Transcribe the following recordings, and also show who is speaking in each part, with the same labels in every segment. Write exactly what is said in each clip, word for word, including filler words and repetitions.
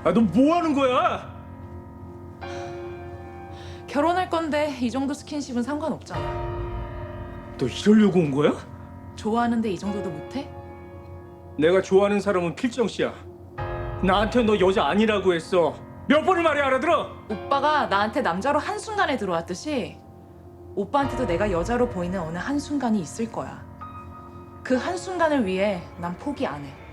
Speaker 1: 아, 너 뭐 하는 거야?
Speaker 2: 결혼할 건데 이 정도 스킨십은 상관없잖아.
Speaker 1: 너 이러려고 온 거야?
Speaker 2: 좋아하는데 이 정도도 못해?
Speaker 1: 내가 좋아하는 사람은 필정 씨야. 나한테 너 여자 아니라고 했어. 몇 번을 말해 알아들어?
Speaker 2: 오빠가 나한테 남자로 한순간에 들어왔듯이 오빠한테도 내가 여자로 보이는 어느 한순간이 있을 거야. 그 한순간을 위해 난 포기 안 해.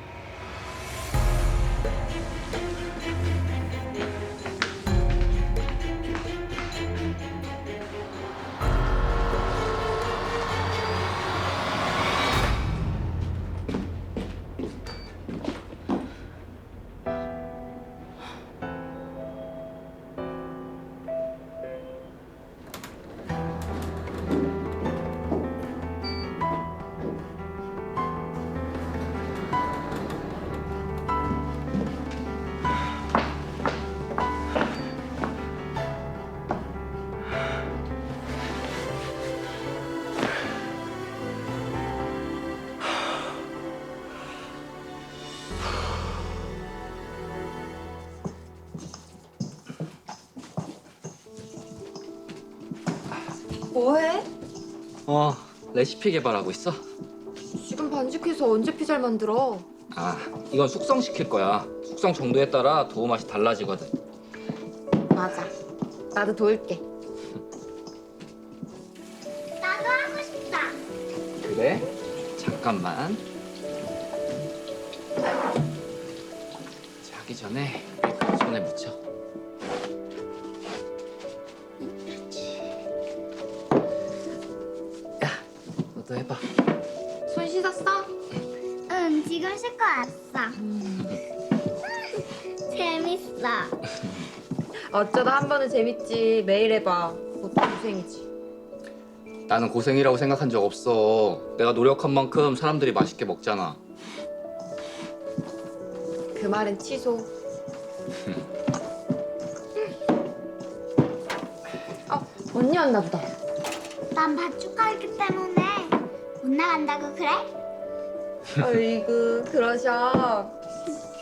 Speaker 3: 뭐해?
Speaker 4: 어, 레시피 개발하고 있어?
Speaker 3: 지금 반죽해서 언제 피자를 만들어?
Speaker 4: 아, 이건 숙성시킬 거야. 숙성 정도에 따라 도우 맛이 달라지거든.
Speaker 3: 맞아. 나도 도울게.
Speaker 5: 나도 하고 싶다.
Speaker 4: 그래? 잠깐만. 자기 전에 손에 묻혀. 그렇지. 야, 너도 해봐.
Speaker 3: 손 씻었어?
Speaker 5: 응, 지금 씻고 왔어. 재밌어.
Speaker 3: 어쩌다 한 번은 재밌지. 매일 해봐. 그것도 고생이지.
Speaker 4: 나는 고생이라고 생각한 적 없어. 내가 노력한 만큼 사람들이 맛있게 먹잖아.
Speaker 3: 그 말은 취소. 어, 언니 왔나 보다.
Speaker 5: 난 밭주가 있기 때문에 못 나간다고 그래?
Speaker 3: 어이구, 그러셔.